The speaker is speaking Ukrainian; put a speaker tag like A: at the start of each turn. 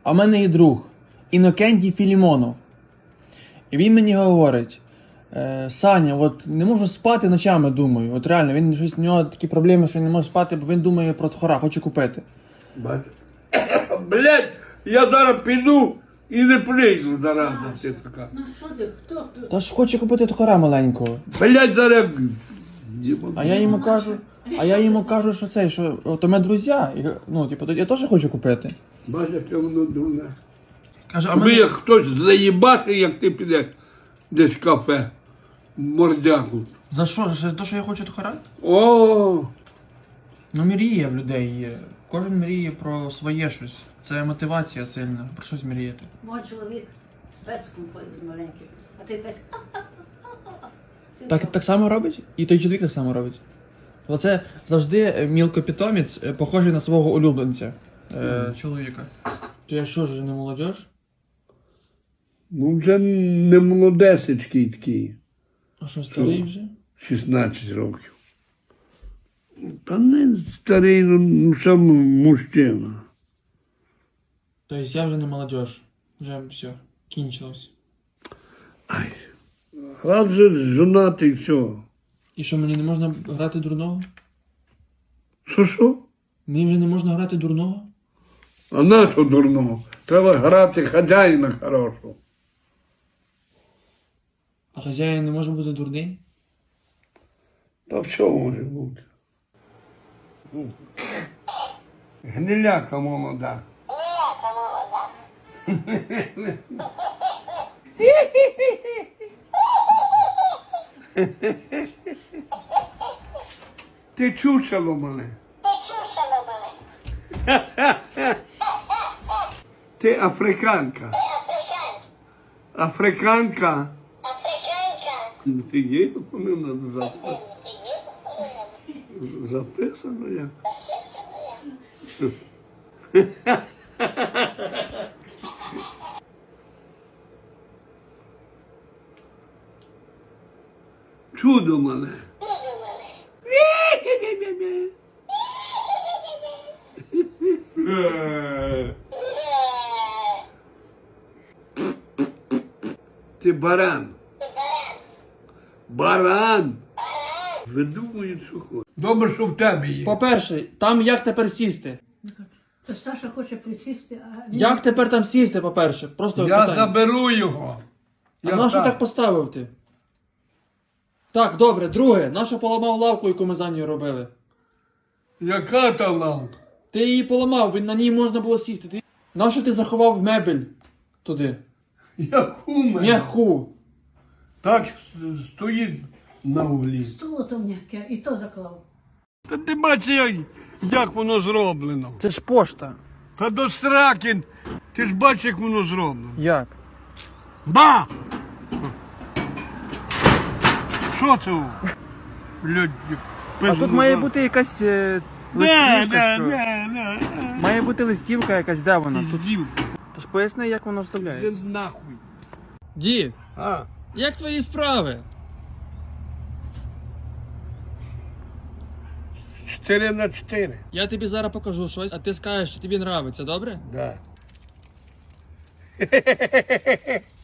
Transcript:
A: А в мене є друг Інокентій Філімонов. І він мені говорить: Саня, от не можу спати ночами, думаю. От реально, він щось, у нього такі проблеми, що він не може спати, бо він думає про тхора, хоче купити.
B: Блять, я зараз піду і не прийду зараза ти така.
C: Ну що ти, хто?
A: Та ж хоче купити тхора маленького.
B: Блять, зараз...
A: А я йому кажу, що цей, що от у мене друзі, і, ну, типу, я теж хочу купити.
B: Бачиш, яке воно дурне.
A: Каже, а
B: Аби
A: мене...
B: як хтось заїбати, як ти підеш десь в кафе, в мордяку.
A: За що? За те, що я хочу тхора?
B: О,
A: Ну, мріє в людей є. Кожен мріє про своє щось. Це мотивація сильна, про щось мріяти.
C: Мой чоловік з песком ходить маленьким, а той песик.
A: Так само робить? І той чоловік так само робить. Оце завжди мілкопітомець, похожий на свого улюбленця, чоловіка. То я що ж, не молодіж?
B: ну вже не молодесечкий такий,
A: А що, старий вже?
B: 16 років. Та не старий, ну сам мужчина.
A: Тобто я вже не молодіж. Вже все, кінчилось.
B: Ай, раз же жонатий, все.
A: І що, мені не можна грати дурного?
B: Що?
A: Мені вже не можна грати дурного?
B: А на що дурного? Треба грати хазяїна хорошого.
A: А хазяїн не може бути дурний?
B: Та все може бути. Гниляка молода. Ти чучело мене. Ти африканка. Африканка. Фігеть, вони надо записати. Записано як. Чудо мене. Ти баран. Баран. Видумують, що хочуть. Добре, що в тебе є.
A: По-перше, там як тепер сісти?
C: То Саша хоче присісти, а він...
A: Як тепер там сісти, по-перше? Просто
B: Я
A: питання.
B: заберу його.
A: А на що так поставив ти? Так, добре, друге, нащо поламав лавку, яку ми за нею робили?
B: Яка та лампа?
A: Ти її поламав, на ній можна було сісти. Нащо ти заховав мебель туди?
B: Яку мене?
A: М'яку.
B: Так стоїть на углі.
C: Стуло то м'яке, і то заклав.
B: Та ти бачиш, як воно зроблено.
A: Це ж пошта.
B: Та до сраки. Ти ж бачиш, як воно зроблено.
A: Як?
B: Ба! Що це? Блядь,
A: А тут має бути якась листівка, що?
B: Не.
A: Має бути листівка якась, де вона? Тут...
B: Піздів.
A: Тож поясни, як воно
B: Де
A: вставляється.
B: нахуй.
A: Дід,
B: А,
A: як твої справи?
B: 4×4.
A: Я тобі зараз покажу щось, а ти скажеш, що тобі подобається, добре?
B: Да.